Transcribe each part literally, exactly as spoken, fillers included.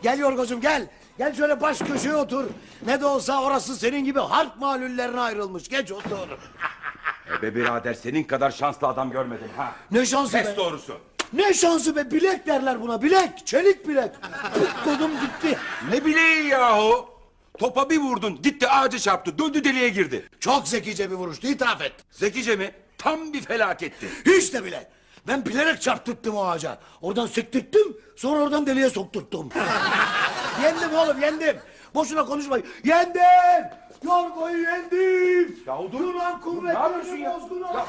Gel Yorgocuğum gel. Gel şöyle baş köşeye otur. Ne de olsa orası senin gibi harp malullerine ayrılmış. Geç otur. E be birader, senin kadar şanslı adam görmedim ha. Ne şansı Pes be. doğrusu. Ne şansı be, bilek derler buna, bilek. Çelik bilek. Tutmadım gitti. Ne bileği yahu. Topa bir vurdun, gitti ağaca çarptı, döndü deliğe girdi. Çok zekice bir vuruştu, itiraf et. Zekice mi? Tam bir felaketti. Hiç de bile. Ben bilerek çarptırttım o ağaca. Oradan sektirttim, sonra oradan deliğe sokturttum. Yendim oğlum, yendim. Boşuna konuşma. Yendim! Yorgo'yu yendim! Yahu dur. Yunan Dur, ne yapıyorsun kuvvetlerini ya? bozgun oldu.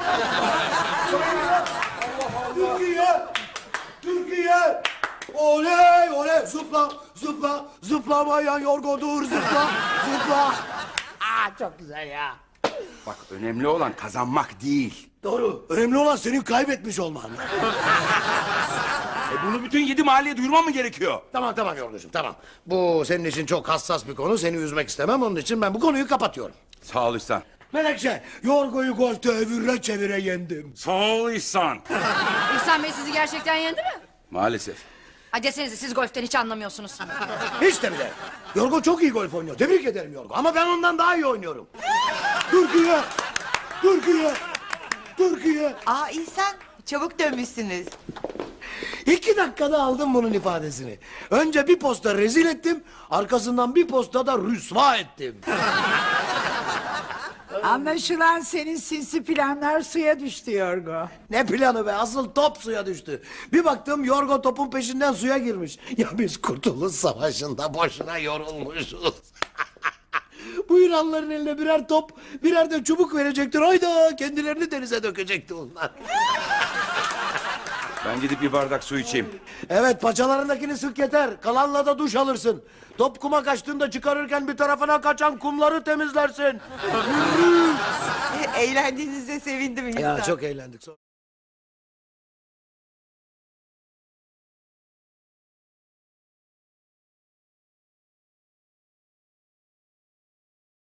Türkiye! Türkiye! Oley oley! Zıpla, zıpla, zıplamayan Yorgo'dur, zıpla, zıpla. Aa, çok güzel ya. Bak, önemli olan kazanmak değil. Doğru. Önemli olan senin kaybetmiş olman. E bunu bütün yedi mahalleye duyurmam mı gerekiyor? Tamam tamam Yorgocuğum, tamam. Bu senin için çok hassas bir konu. Seni üzmek istemem. Onun için ben bu konuyu kapatıyorum. Sağ ol İhsan. Menekşe, Yorgo'yu golfte evire çevire yendim. Sağ ol İhsan. İhsan Bey sizi gerçekten yendi mi? Maalesef. Ha desenize, siz golften hiç anlamıyorsunuz. Hiç de bile. Yorgo çok iyi golf oynuyor. Tebrik ederim Yorgo. Ama ben ondan daha iyi oynuyorum. Türkiye! Türkiye! Türkiye! Aa İhsan, çabuk dönmüşsünüz. İki dakikada aldım bunun ifadesini. Önce bir posta rezil ettim. Arkasından bir posta da rüsva ettim. Anlaşılan senin sinsi planlar suya düştü Yorgo. Ne planı be, asıl top suya düştü. Bir baktım Yorgo topun peşinden suya girmiş. Ya biz Kurtuluş Savaşı'nda boşuna yorulmuşuz. Bu Yunanların eline birer top, birer de çubuk verecektir. Hayda, kendilerini denize dökecekti onlar. Ben gidip bir bardak su içeyim. Evet, paçalarındakini sık yeter. Kalanla da duş alırsın. Top kuma kaçtığında çıkarırken bir tarafına kaçan kumları temizlersin. Eğlendiğinize sevindim İhsan. Ya çok eğlendik.